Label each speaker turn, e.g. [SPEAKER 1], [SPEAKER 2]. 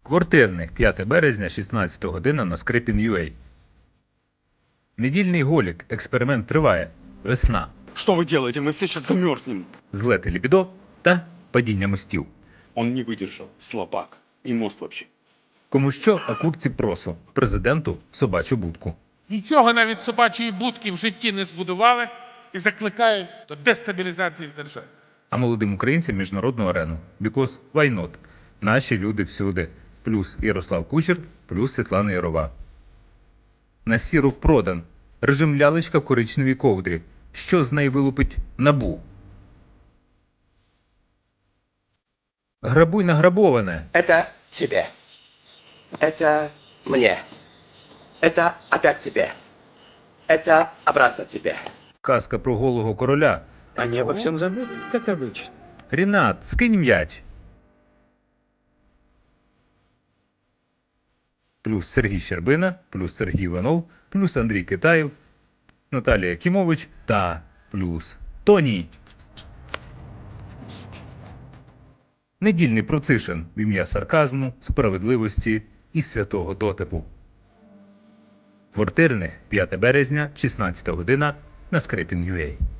[SPEAKER 1] Квартирник, 5 березня, 16 година на Скрипін.ua. Недільний голік. Експеримент триває. Весна.
[SPEAKER 2] Что вы делаете? Мы все сейчас замерзнем.
[SPEAKER 1] Злети лібідо та падіння мостів.
[SPEAKER 2] Он не выдержал. Слабак. И мост вообще.
[SPEAKER 1] Кому що, а курці просо. Президенту собачу будку.
[SPEAKER 3] Нічого навіть собачої будки в житті не збудували і закликають до дестабілізації держави.
[SPEAKER 1] А молодим українцям міжнародну арену. Because why not? Наші люди всюди. Плюс Ярослав Кучер, плюс Світлана Ярова. На Сіров продан. Режим лялечка в коричневій ковдрі. Що з неї вилупить НАБУ? Грабуй награбоване.
[SPEAKER 4] Это тебе. Это мне. Это опять тебе. Это обратно тебе.
[SPEAKER 1] Казка про голого короля.
[SPEAKER 5] Они обо всем забыли, как обычно.
[SPEAKER 1] Рінат, скинь м'яч. Плюс Сергій Щербина, плюс Сергій Іванов, плюс Андрій Китаєв, Наталія Кімович та плюс Тоні. Недільний процишин в ім'я сарказму, справедливості і святого дотипу. Квартирник, 5 березня, 16 година на Скрипін.ua.